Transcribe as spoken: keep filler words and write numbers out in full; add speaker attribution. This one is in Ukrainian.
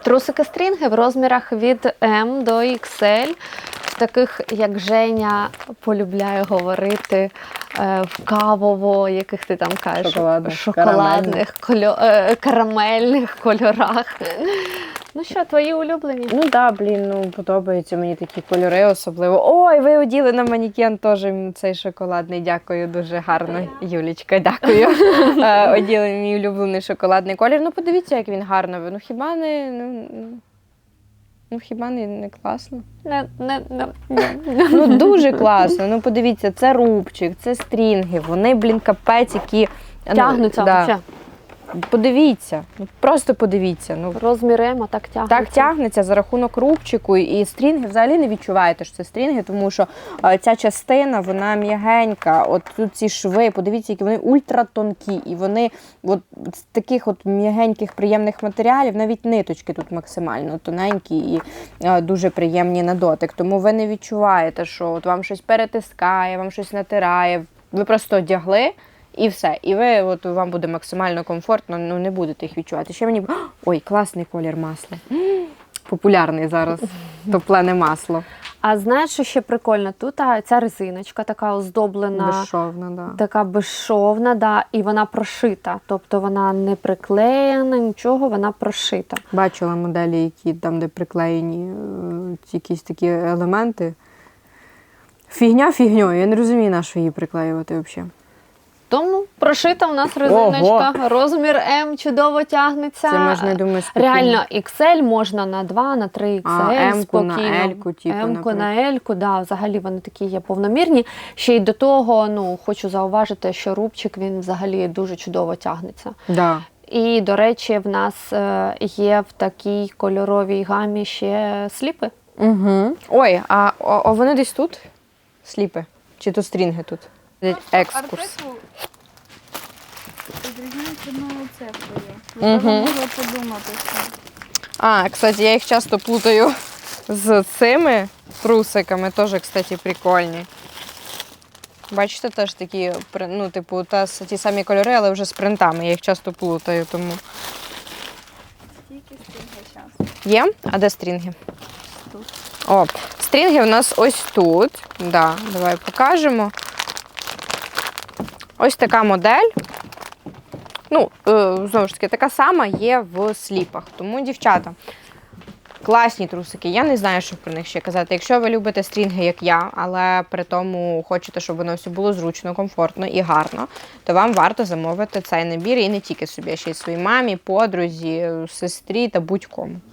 Speaker 1: Трусики стрінги в розмірах від М до ікс ель, в таких, як Женя полюбляє говорити, в кавово, яких ти там кажеш,
Speaker 2: шоколадних,
Speaker 1: шоколадних, кольо... карамельних кольорах. Ну що, твої улюблені?
Speaker 2: Ну так, да, блін, ну подобаються мені такі кольори особливо. Ой, ви оділи на манікен теж цей шоколадний, дякую, дуже гарно. Юлічка, дякую. Оділи мій улюблений шоколадний колір. Ну подивіться, як він гарно. Ну хіба не, ну, ну хіба не, не класно?
Speaker 1: Не, не, не.
Speaker 2: Ну дуже класно. Ну подивіться, це рубчик, це стрінги, вони, блін, капець, які...
Speaker 1: Тягнуться,
Speaker 2: ну, да.
Speaker 1: взагалі.
Speaker 2: Подивіться, ну просто подивіться. Ну,
Speaker 1: розмір М, так тягнеться.
Speaker 2: Так тягнеться за рахунок рубчику, і стрінги взагалі не відчуваєте, що це стрінги, тому що а, ця частина, вона м'ягенька, от тут ці шви, подивіться, які вони ультратонкі, і вони от з таких от м'ягеньких, приємних матеріалів, навіть ниточки тут максимально тоненькі і а, дуже приємні на дотик, тому ви не відчуваєте, що от вам щось перетискає, вам щось натирає, ви просто одягли, і все. І ви, от, вам буде максимально комфортно, ну не будете їх відчувати. Ще мені... Ой, класний колір масла. Популярний зараз. Топлене масло.
Speaker 1: А знаєш, що ще прикольно? Тут а, ця резиночка така оздоблена.
Speaker 2: Безшовна, да.
Speaker 1: Така безшовна, да, і вона прошита. Тобто вона не приклеєна, нічого, вона прошита.
Speaker 2: Бачила моделі, які там, де приклеєні е, якісь такі елементи. Фігня фігньою. Я не розумію, на що її приклеювати взагалі.
Speaker 1: Тому прошита у нас резиночка,
Speaker 2: Ого!
Speaker 1: Розмір М чудово тягнеться.
Speaker 2: Це можна, я думаю, спокійно.
Speaker 1: Реально, ікс ель можна на два, на три ікс ель,
Speaker 2: а, М-ку
Speaker 1: спокійно.
Speaker 2: на L-ку, типу,
Speaker 1: М-ку
Speaker 2: наприклад.
Speaker 1: на L-ку, да, взагалі вони такі є повномірні. Ще й до того, ну, хочу зауважити, що рубчик, він взагалі дуже чудово тягнеться.
Speaker 2: Да.
Speaker 1: І, до речі, в нас е, є в такій кольоровій гамі ще сліпи.
Speaker 2: Угу. Ой, а, а вони десь тут? Сліпи? Чи то стрінги тут? Екскурс.
Speaker 3: Відрізняється одною цифрою.
Speaker 2: Мгм.
Speaker 3: Ви могли подумати, що
Speaker 2: А, кстати, я їх часто плутаю з цими трусиками, теж, кстати, прикольні. Бачите, теж такі, при- ну, типу, та, ті самі кольори, але вже з принтами. Я їх часто плутаю, тому.
Speaker 3: стільки стільки часу.
Speaker 2: Є? А де стрінги?
Speaker 3: Тут.
Speaker 2: О, стрінги в нас ось тут. Да, давай покажемо. Ось така модель. Ну, е, знову ж таки, така сама є в сліпах. Тому, дівчата, класні трусики. Я не знаю, що про них ще казати. Якщо ви любите стрінги, як я, але при тому хочете, щоб воно все було зручно, комфортно і гарно, то вам варто замовити цей набір і не тільки собі, а ще й своїй мамі, подрузі, сестрі та будь-кому.